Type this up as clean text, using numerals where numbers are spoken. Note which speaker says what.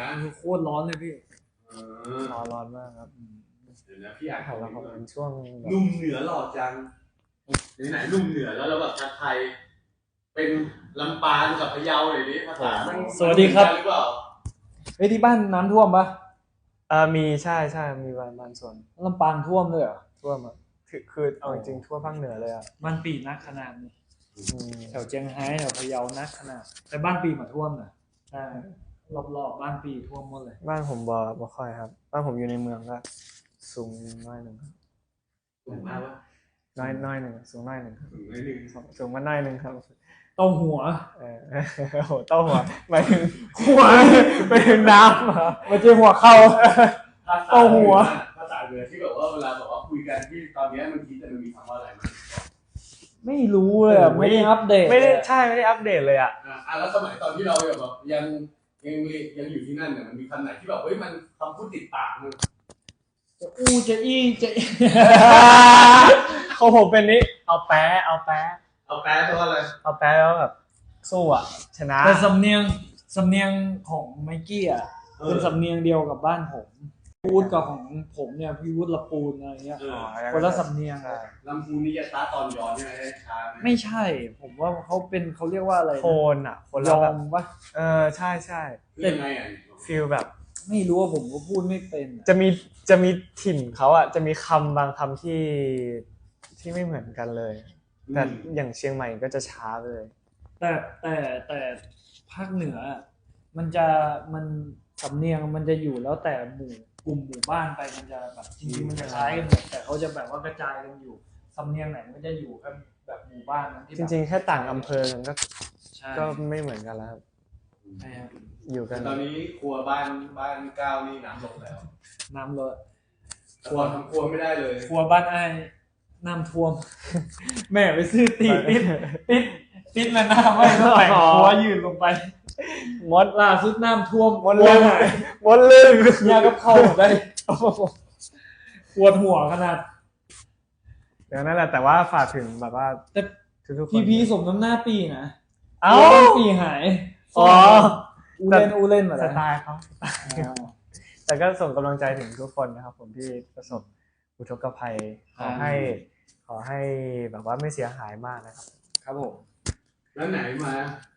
Speaker 1: นะ
Speaker 2: โคตรร้อนเลยพี่
Speaker 3: ร้อนมากครับ
Speaker 1: เดี๋ยวนะพี่อ่าน
Speaker 3: ของเราเป็นช่วง
Speaker 1: หนุ่มเหนือหล่อจังไหนหนุ่มเหนือแล้วเราแบบทักไทยเป็นลำปางกับพะเยาหน่อยดิภาษา
Speaker 2: สวัสดีครับ
Speaker 1: หรือเปล่า
Speaker 2: เฮ้ยที่บ้านน้ำท่วมปะ
Speaker 3: มีใช่มีบางส่วน
Speaker 2: ลำปางท่วมเลยเหรอ
Speaker 3: ท่วมอ่ะคือเอาจริงทั่วภาคเหนือเลยอ่ะ
Speaker 2: บ้านปีนักขนาดนี้แถวเจียงไฮ้แถวพะเยานักขนาดแต่บ้านปีมาท่วมนะใช่รอบบ้านปีท่วมหมดเลย
Speaker 3: บ้านผมบ่ค่อยครับบ้านผมอยู่ในเมืองก็สูงน้อยหนึ่ง
Speaker 1: สูงมากวะ
Speaker 3: น้อยหนึ่งสูงน้อยหนึ่งสูงมาน้อยหนึ่งครับ
Speaker 2: เต้าหัว
Speaker 3: โหเต้าหัวไปถึงหัวไปถึงน้ำ
Speaker 2: ไม่ใช่หัวเข่าเต้าหัว
Speaker 1: ภาษาเหนือที่แบบว่าเวลาบอกว่าคุยกันที่ตอนนี้มันคิดจะมีคำว่าอะไรมั้ย
Speaker 2: ไม่รู้เลยไม่ได้อัปเดต
Speaker 3: ไม่ได้อัปเดตเลยอ่ะ
Speaker 1: แล้วสมัยตอนที่เราแบบยังอยู่ที่นั่นเนี่ยมันมีคำไหนที่แบบเฮ้ยมันคำพูดติดปากมึง
Speaker 2: จะอี้จะ
Speaker 3: เขาผมเป็นนี้เอาแป๊ะ
Speaker 1: เพราะอะไร
Speaker 3: เอาแป๊ะแล้วแบบสู้อ่ะชนะ
Speaker 2: แต่สำเนียงของไมกี้อ่ะเป็นสำเนียงเดียวกับบ้านผมพูดกับของผมเนี่ยพี่วุฒิละปูนอะไรเงี้ยคนละสำเนียง
Speaker 1: ลำพูนนี่จะช้าตอนย้อนใช่ไหมช้า
Speaker 2: ไม่ใช่ผมว่าเขาเรียกว่าอะไร
Speaker 3: โคนอ่ะคน
Speaker 2: ยอมปะ
Speaker 3: ใช่
Speaker 1: เป็นไงอ่ะ
Speaker 3: ฟีลแบบ
Speaker 2: ไม่รู้ว่าผมก็พูดไม่เป็น
Speaker 3: จะมีถิ่นเขาอ่ะจะมีคำบางคำที่ไม่เหมือนกันเลยแต่อย่างเชียงใหม่ก็จะช้าเลย
Speaker 2: แต่ภาคเหนือมันสำเนียงมันจะอยู่แล้วแต่กลุ่มหมู่บ้านไปมันจะแบบจริงๆมันจะคล้ายกันแต่เขาจะแบบว่ากระจายกันอยู่สำเนียงไหนมันจะอยู่กันแบบหมู่บ้านนั้นที่
Speaker 3: จริงๆแค่ต่างอำเภอก็ไม่เหมือนกันแล้วครับอยู่กัน
Speaker 1: ตอนนี้ครัวบ้านก้าวนี่น้ำลงแล้ว
Speaker 2: น้ำลด
Speaker 1: ครัวทำครัวไม่ได้เลย
Speaker 2: ครัวบ้านไอ้น้ำท่วมแม่ไปซื้อติดแล้วน้ำไว้ก็แต่งครัวยืนลงไป
Speaker 3: มด
Speaker 2: ล่าสุดน้ำท่วม
Speaker 3: มดลื่น
Speaker 2: ยากับเข้าได้ปวดหัวขนาด
Speaker 3: เดี๋ยวนั่นแหละแต่ว่าฝากถึงแบบว่า
Speaker 2: ทุกคนพี่สมน้ำหน้าปีนะปีหายอูเล่น
Speaker 3: สไตล์เขาแต่ก็ส่งกำลังใจถึงทุกคนนะครับผมที่ประสบอุทกภัยขอให้แบบว่าไม่เสียหายมากนะครับ
Speaker 2: ครับผม
Speaker 1: แล้วไหนมา